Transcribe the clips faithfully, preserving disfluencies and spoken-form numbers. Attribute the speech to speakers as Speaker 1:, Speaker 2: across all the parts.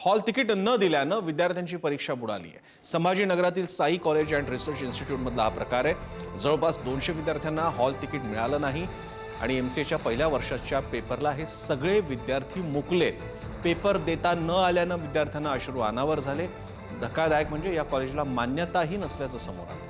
Speaker 1: Hall ticket न दिल्यानं विद्यार्थ्यांची परीक्षा बुडाली आहे। संभाजीनगरातील साई कॉलेज अँड रिसर्च इन्स्टिट्यूटमधला हा प्रकार आहे। जवळपास दोनशे विद्यार्थ्यांना हॉल तिकीट मिळालं नाही आणि एमसीएच्या पहिल्या वर्षाच्या पेपरला हे सगळे विद्यार्थी मुकलेत। पेपर देता न आल्यानं विद्यार्थ्यांना अश्रू अनावर झाले। धक्कादायक म्हणजे या कॉलेजला मान्यताही नसल्याचं समोर आलं।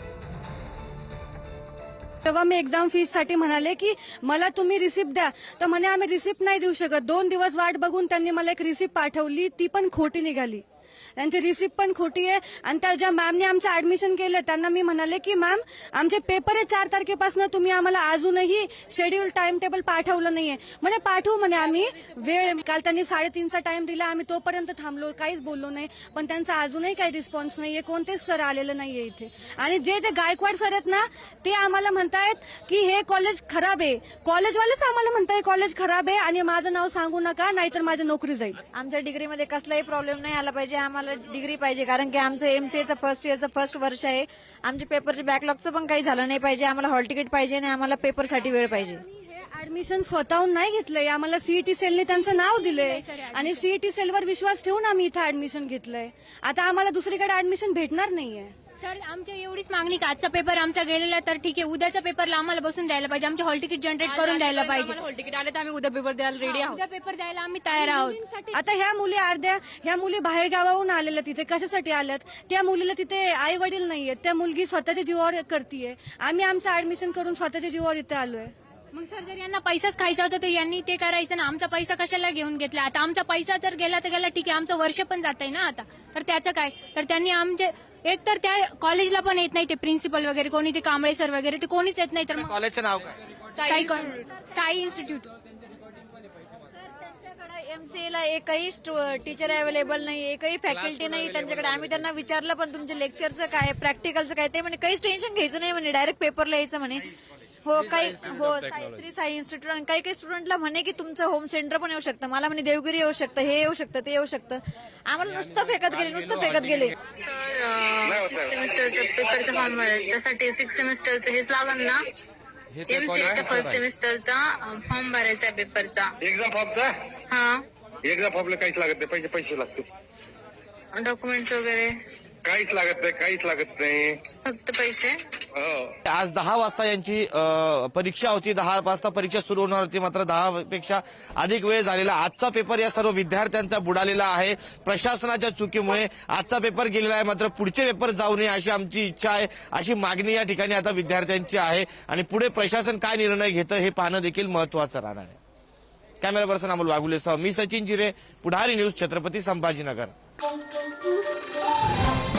Speaker 2: तेव्हा मी एक्झाम फीस साठी म्हणाले की मला तुम्ही रिसिप्ट द्या, तर म्हणे आम्ही रिसिप्ट नाही देऊ शकत। दोन दिवस वाट बघून त्यांनी मला एक रिसिप्ट पाठवली, ती पण खोटी निघाली। त्यांची रिसिप्ट पण खोटी आहे। आणि त्या ज्या मॅमने आमचं ऍडमिशन केलं त्यांना मी म्हणाले की मॅम आमचे पेपर आहे चार तारखेपासून, तुम्ही आम्हाला अजूनही शेड्यूल टाइम टेबल पाठवलं नाहीये। म्हणे पाठवू म्हणे आम्ही, वेळ काल त्यांनी साडेतीनचा टाइम दिला, आम्ही तोपर्यंत थांबलो, काहीच बोललो नाही। पण त्यांचा अजूनही काही रिस्पॉन्स नाहीये, कोणतेच सर आलेलं नाहीये इथे। आणि जे ते गायकवाड सर आहेत ना, ते आम्हाला म्हणतायत की हे कॉलेज खराब आहे। कॉलेजवालेच आम्हाला म्हणताय कॉलेज खराब आहे आणि माझं नाव सांगू नका नाहीतर माझी नोकरी जाईल।
Speaker 3: आमच्या डिग्रीमध्ये कसलाही प्रॉब्लेम नाही आला पाहिजे, आम्हाला डिग्री पाहिजे, कारण की आमचं एमसीएचं फर्स्ट इयरचं फर्स्ट वर्ष आहे। आमच्या पेपरचे बॅकलॉगचं पण काही झालं नाही पाहिजे। आम्हाला हॉल तिकीट पाहिजे आणि आम्हाला पेपरसाठी वेळ पाहिजे।
Speaker 2: ऍडमिशन स्वतःहून नाही घेतलंय, आम्हाला सीईटी सेलने त्यांचं नाव दिलंय आणि सीईटी सेलवर विश्वास ठेवून आम्ही इथं ऍडमिशन घेतलंय। आता आम्हाला दुसरीकडे ऍडमिशन भेटणार नाहीये।
Speaker 4: सर आमची एवढीच मागणी की आजचा पेपर आमचा गेलेला तर ठीक आहे, उद्याच्या पेपरला आम्हाला बसून द्यायला पाहिजे, आमचे हॉल तिकीट जनरेट करून द्यायला पाहिजे।
Speaker 5: हॉल तिकीट आले तर आम्ही उद्या पेपर द्यायला रेडी आहोत।
Speaker 4: उद्या पेपर द्यायला आम्ही तयार आहोत।
Speaker 2: आता ह्या मुली अर्ध्या ह्या मुली बाहेर गावाहून आलेल्या, तिथे कशासाठी आल्यात? त्या मुलीला तिथे आई वडील नाहीयेत, त्या मुलगी स्वतःच्या जीवावर करतीये। आम्ही आमचं ऍडमिशन करून स्वतःच्या जीवावर इथे आलोय।
Speaker 4: मग सर जर यांना पैसाच खायचा होता तर यांनी ते करायचं ना, आमचा पैसा कशाला घेऊन घेतला? आता आमचा पैसा तर गेला तर गेला, ठीक आहे, आमचं वर्ष पण जात आहे ना आता, तर त्याचं काय? तर त्यांनी आमचे एक तर त्या कॉलेजला पण येत नाही, ते प्रिन्सिपल वगैरे कोणी, ते कांबळे सर वगैरे ते कोणीच येत नाही। तर मग
Speaker 6: कॉलेजचं नाव काय?
Speaker 4: साई साई इन्स्टिट्यूट।
Speaker 3: त्यांच्याकडे एमसीएला एकही टीचर अवेलेबल नाही, एकही फॅकल्टी नाही त्यांच्याकडे। आम्ही त्यांना विचारलं पण तुमच्या लेक्चरचं काय, प्रॅक्टिकलचं काय, ते म्हणे काहीच टेन्शन घ्यायचं नाही म्हणे, डायरेक्ट पेपरला यायचं म्हणे। हो काही हो साई श्री साई इन्स्टिट्यूट आणि काही काही स्टुडंटला म्हणे की तुमचं होम सेंटर पण येऊ शकतं, मला म्हणे देवगिरी येऊ शकतं, हे येऊ शकतं, ते येऊ शकतं। आम्हाला नुसतं फेकत गेले, नुसतं फेकत गेले।
Speaker 7: सर सिक्स सेमिस्टरच्या पेपरचा फॉर्म भरायचा, त्यासाठी सिक्स सेमिस्टरचं हेच लागल ना, एमसीएच्या फर्स्ट सेमिस्टरचा फॉर्म भरायचा पेपरचा
Speaker 8: एक्झाम फॉर्मचा।
Speaker 7: हा
Speaker 8: एक्झाम फॉर्मला काहीच लागत नाही, पैसे पैसे लागतील,
Speaker 7: डॉक्युमेंट्स वगैरे
Speaker 8: काहीच लागत नाही, काहीच लागत नाही,
Speaker 7: फक्त पैसे।
Speaker 6: आज दहा वाजता यांची अ, परीक्षा होती, दहा वाजता परीक्षा सुरू होणार होती, मात्र दहा पेक्षा अधिक वेळ झालेला। आजचा पेपर या सर्व विद्यार्थ्यांचा बुडालेला आहे प्रशासनाच्या चुकीमुळे। आजचा पेपर गेलेला आहे, मात्र पुढचे पेपर जाऊ नये अशी आमची इच्छा आहे, अशी मागणी या ठिकाणी आता विद्यार्थ्यांची आहे। आणि पुढे प्रशासन काय निर्णय घेतं हे पाहणं देखील महत्वाचं राहणार आहे। कॅमेरा पर्सन अमोल वाघुलेसह मी सचिन जिरे, पुढारी न्यूज, छत्रपती संभाजीनगर।